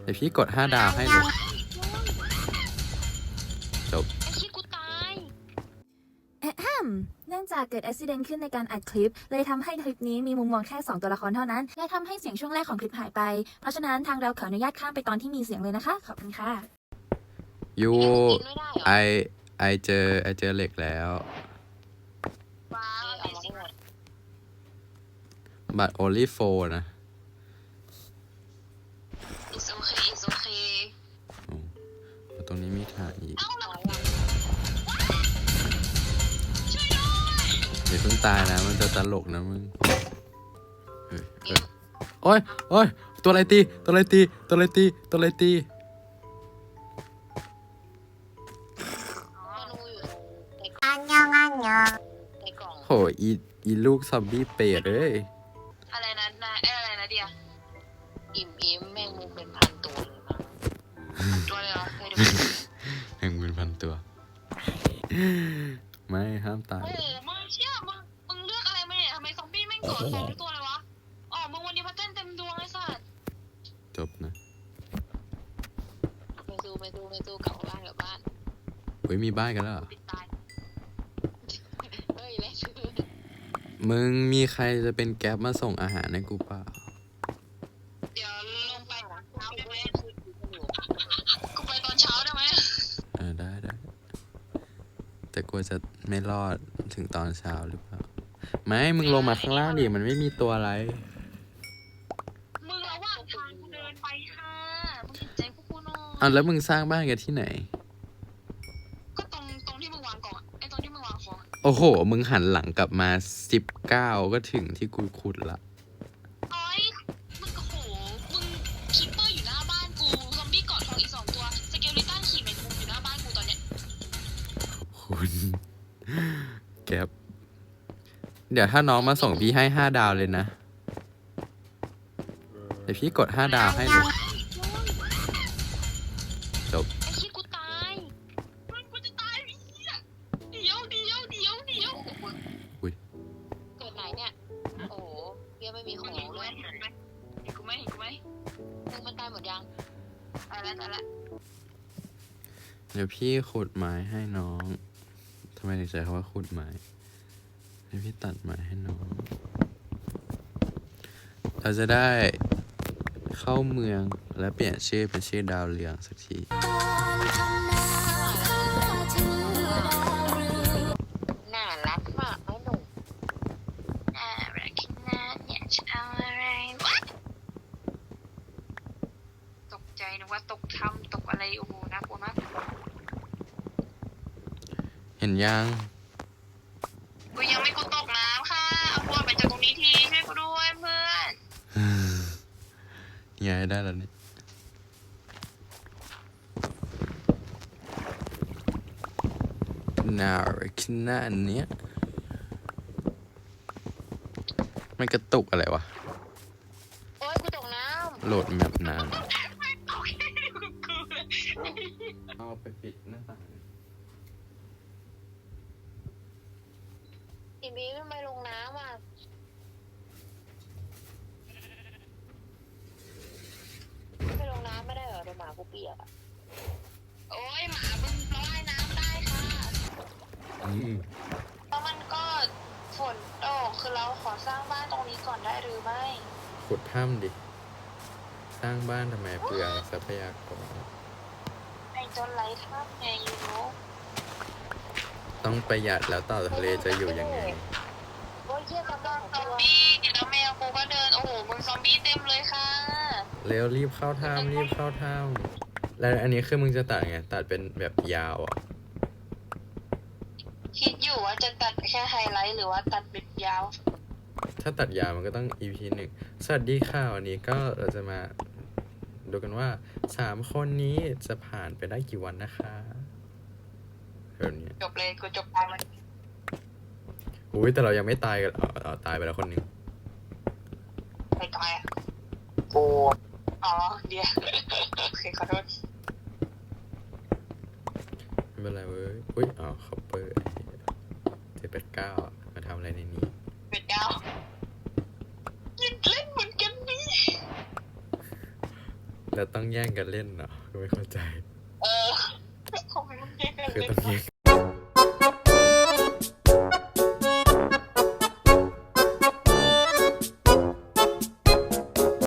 ดี๋ยวพี่กด5 ดาวให้เลยจบไอ้ขี้กูตายเนื่องจากเกิดอุบิเหตุขึ้นในการอัดคลิปเลยทำให้คลิปนี้มีมุมมองแค่2ตัวละครเท่านั้นและทำให้เสียงช่วงแรกของคลิปหายไปเพราะฉะนั้นทางเราขออนุญาตข้ามไปตอนที่มีเสียงเลยนะคะขอบคุณค่ะยูไม่ได้เหรอไอเจอเหล็กแล้วว้าวเอามาให้หมดบัตร only 4นะ it's okay it's okay โอ้ตรงนี้มีถ่านอีกเอ้าเราเดี๋ยวเพิ่งตายนะมันจะตลกนะมึงโอ้ยตัวอะไรตีอันยังในกล่องโหอีลูกซอมบี้เปรตเอ้ยอะไรนะอะไรนะเดียอิ่มแมงมุมเป็นพันตัวเลยนะตัวเลยเหรอเคยดูแห่งเป็นพันตัวไม่ห้ามตายโอ้โหมึงเชื่อมึงเลือกอะไรมาเนี่ยทำไมซอมบี้แม่งเกาะ2 ตัวเลยวะอ๋อมึงวันนี้พัดเต้นเต็มดวงไอ้สัสจบนะไม่สู้กลับบ้านเฮ้ยมีบ้านกันแล้วเหรอปิดตายเฮ้ยแล้วมึงมีใครจะเป็นแก๊ปมาส่งอาหารให้กูเปล่าเดี๋ยวลงไปเช้าได้ไหมกูไปตอนเช้าได้ไหมได้แต่กลัวจะไม่รอดถึงตอนเช้าหรือเปล่าไม่มึงลงมาข้างล่างดิมันไม่มีตัวอะไรมึงระหว่างทางกูเดินไปค่ะมึงเห็นใจพวกกูหน่อยแล้วมึงสร้างบ้านกันที่ไหนก็ตรงที่มึงวางกล่องไอ้ตรงที่มึงวางของโอ้โหมึงหันหลังกลับมา19ก็ถึงที่กูขุดละโอ้ยมึงโอ้โหมึงคิปเปอร์อยู่หน้าบ้านกูซอมบี้เกาะทองอีก2 ตัวสเกลิตันขี่แมงมุมอยู่หน้าบ้านกูตอนเนี้ยคุณแก๊ปเดี๋ยวถ้าน้องมาส่งพี่ให้5 ดาวเลยนะเดี๋ยวพี่กด5 ดาวให้เลยจบไอ้ขี้กูตายกูจะตายไอ้เหี้ยเดี๋ยวอุ้ยเกิดไหนเนี่ยโอ้โหเหี้ยไม่มีของเลยเห็นกูไหมมึงมันตายหมดยังตายแล้วเดี๋ยวพี่ขุดไม้ให้น้องทำไมถึงใช้คำว่าขุดไม้เดี๋ยวพี่ตัดไม้ให้น้องเราจะได้เข้าเมืองและเปลี่ยนชื่อเป็นชื่อดาวเรืองสักทีน่ารักมากไอ้หนุ่มน่ารักขนาดเนี่ยจะเอาอะไรวะตกใจนึกว่าตกถ้ำตกอะไรโอ้โหน่ากลัวมากเห็นยังกูยังไม่กูตกน้ำค่ะเอาพวกไปจากตรงนี้ทีช่วยกูด้วยเพื่อนย้ายได้แล้วนี่น่ารักขนาดเนี้ยมันกระตุกอะไรวะโอ๊ยกูตกน้ำโหลดแมปนานเอาไปปิดหน้าต่างอีบีทำไมลงน้ำอ่ะไม่ลงน้ำไม่ได้เหรอเดี๋ยวหมากูเปียกอ่ะโอ๊ยหมามึงว่ายน้ำได้ค่ะแล้วมันก็ฝนตกคือเราขอสร้างบ้านตรงนี้ก่อนได้หรือไม่ขุดถ้ำดิสร้างบ้านทำไมเปลืองทรัพยากรไอ้จนไร้ถ้ำไงยูโน่ต้องประหยัดแล้วต่อทะเลจะอยู่ยังไงโอ้ยเยี่ยมมากซอมบี้แล้วแมวกูก็เดินโอ้โหมึงซอมบี้เต็มเลยค่ะเร็วรีบเข้าถ้ำแล้วอันนี้คือมึงจะตัดไงตัดเป็นแบบยาวอ่ะคิดอยู่ว่าจะตัดแค่ไฮไลท์หรือว่าตัดเป็นยาวถ้าตัดยาวมันก็ต้อง EP 1สวัสดีค่ะวันนี้ก็เราจะมาดูกันว่า3 คนนี้จะผ่านไปได้กี่วันนะคะแบบนี้จบเลยกูจบตายมันอุ้ยแต่เรายังไม่ตายกันตายไปแล้วคนหนึ่งไม่ตายอ่ะกูอ๋อเดี๋ยวโอเคขอโทษไม่เป็นไรเว้ยอุ้ยคัพเปอร์789มาทำอะไรในนี้เป็ดดาวยิงเล่นเหมือนกันนี่แล้วต้องแย่งกันเล่นเนาะก็ไม่เข้าใจเออทำไมมึงแย่งกันคือเล่นต้องแย่ง